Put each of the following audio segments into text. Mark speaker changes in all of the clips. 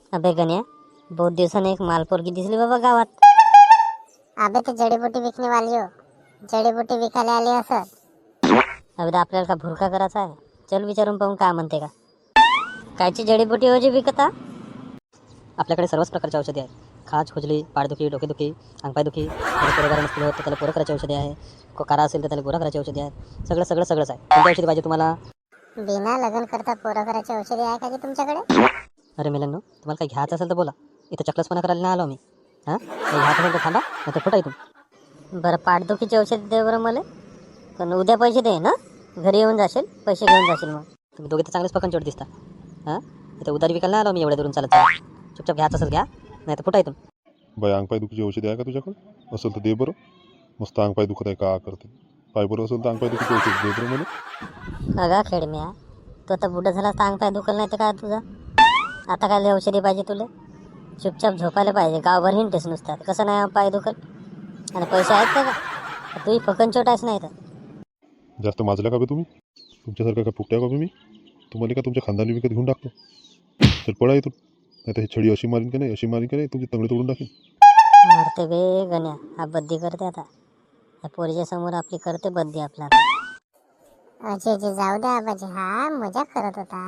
Speaker 1: अबे गण्या, बहुत दिवसाने एक मालपोरगी दिसली बाबा गावात.
Speaker 2: अबे ते जडीबुटी विकणे वाली हो. जडीबुटी विकायला आली असं.
Speaker 1: अबे आपल्याला का भुरका करायचा आहे? चल विचारून पाहून काय म्हणते का. कायची जडीबुटी हो जी विकता?
Speaker 3: आपल्याकडे सर्वच प्रकारची औषधी आहेत. खाज, खुजली, पाठदुखी, डोकेदुखी, अंगपायदुखी, पोरं नसतील होत तर त्याला पोरं करायची औषधी आहे. कारा असेल तर त्याला गोरा करायची औषधी आहेत. सगळंच आहे. कोणती औषधी पाहिजे तुम्हाला?
Speaker 2: बिना लग्न करता पोरं करायची औषधी आहे का जी तुमच्याकडे?
Speaker 3: अरे मेलांनो, तुम्हाला काही घ्यायचं असेल तर बोला. इथं चकलसपणा करायला नाही आलो मी. हां, काही घ्यायचं असेल तर थांबा, नाही तर फुटा इथून.
Speaker 1: बरं पाठदुखीची औषध दे बरं मला. पण उद्या पैसे दे ना, घरी येऊन जाशील, पैसे घेऊन जाशील. मग
Speaker 3: तुम्ही दोघे तर चांगलेच पकंचोट दिसता. हां, इथं उधारी विकायला नाही आलो मी एवढ्या दूरून चालत. चुपचाप घ्यायचं असेल घ्या, नाही तर फुटा इथून.
Speaker 4: बाई अंगपाय दुखीची औषधी आहे का तुझ्याकडे? असेल तर दे बरं. मस्त अंगपाय दुखत आहे का करते. पाय बरं असेल तर अंगपाय दुखीची औषध दे बरं मला.
Speaker 1: अगा खेडम्या, तू आता बुडा झाला तर अंग पाय दुखल नाही तर काय तुझा? आता काय औषधी पाहिजे तुला? चुपचाप झोपायला पाहिजे. गावभर हिंडतेस नुसतात. कसं नाही पाय दुखल? आणि पैसे आहेत का? तुही फकन छोटाच नाही तर.
Speaker 4: जास्त माजल्या का बे तुम्ही? तुमच्यासारखं का फुकट्या का बे मी? तुम्हाला का तुमच्या खानदानी विकत घेऊन टाकतो. तर पळा इथून, नाही तर हे छडी अशी मारीन का नाही तुमची तंगडी तोडून टाकेन.
Speaker 1: मरते बे गण्या, हा बद्दी करते आता. या पोरीच्या समोर आपली करते बद्दी आपला.
Speaker 2: अजय जी जाऊ द्या आबाजी, हा मजा करत होता.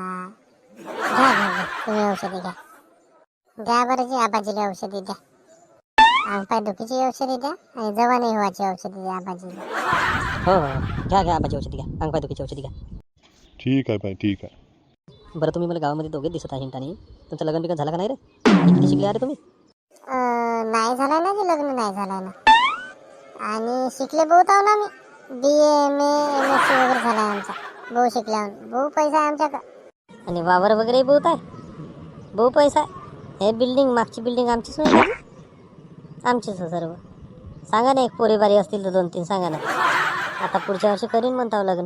Speaker 2: घ्या तुम्ही औषधी घ्या. द्या बरं जी आबाजीला औषधी द्या. अंगपाय दुखीची औषधी द्या आणि जवानी व्हायची औषधी द्या आबाजीला.
Speaker 3: हो, घ्या आबाची औषधी घ्या. अंगपायदुखीची औषधी घ्या.
Speaker 4: ठीक आहे बाई, ठीक आहे.
Speaker 3: बरं तुम्ही मला गावामध्ये दोघेच दिसत आहे हिंटाने. तुमचं लग्न बिगन झालं का नाही रे? किती शिकले अरे तुम्ही?
Speaker 2: नाही झालाय ना जी, लग्न नाही झालाय ना. आणि शिकले बहुत आहो ना मी. BA MSc वगैरे झालाय आमचा. बहु शिकल्यावर बहु पैसा आहे आमच्याकडे.
Speaker 1: आणि वावर वगैरे बहुत आहे. बहु पैसा आहे. हे बिल्डिंग, मागची बिल्डिंग आमचीच नाही. आमचीच सर्व. सांगा ना, एक पोरीबारी असतील तर 2-3 सांगा ना. आता पुढच्या वर्षी करीन म्हणताव लग्न.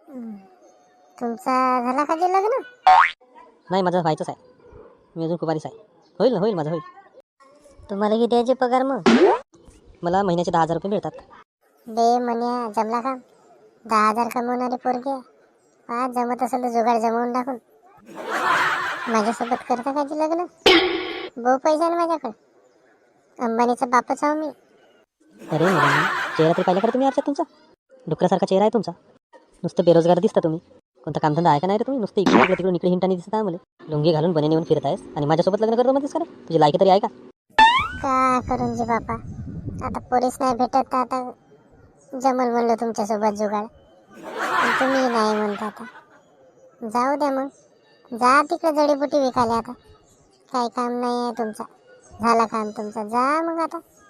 Speaker 2: तुमचा झाला का जे लग्न?
Speaker 3: नाही, माझं व्हायचंच आहे. मी अजून कुमारीच आहे. होईल माझं होईल.
Speaker 1: तुम्हाला किती यायचे पगार मग?
Speaker 3: मला महिन्याचे 10,000 रुपये मिळतात.
Speaker 2: बे म्हण्या जमला का? 10,000 कमवणारी पोरगी आहे. हा जमत असेल तर जुगाड जमवून टाकून माझ्यासोबत करता का जी लग्न? बहु पैसा आहे माझ्याकडे. अंबानीचा बापच आहो मी.
Speaker 3: अरे मुलांनी, चेहरा तरी पाहिला का तुम्ही आरशात तुमचा? डुकरासारखा चेहरा आहे तुमचा. नुसतं बेरोजगार दिसता तुम्ही. कोणता कामधंदा आहे का नाही रे तुम्ही? नुसतं तिकडून इकडे हिंटाने दिसत आहे मला. लुंगी घालून बने नेऊन फिरत आहेस आणि माझ्यासोबत लग्न करतो म्हणतेस का रे? तुझी लायकी तरी आहे का?
Speaker 2: का करून जी बापा, आता पोरीस नाही भेटत तर आता जमल म्हणलं तुमच्यासोबत जुगाड. पण तुम्ही नाही म्हणता. आता जाऊ द्या मग. जा तिकडे जडीबुटी विकायला आता. काही काम नाही आहे तुमचा. झाला काम तुमचा. जा मग आता.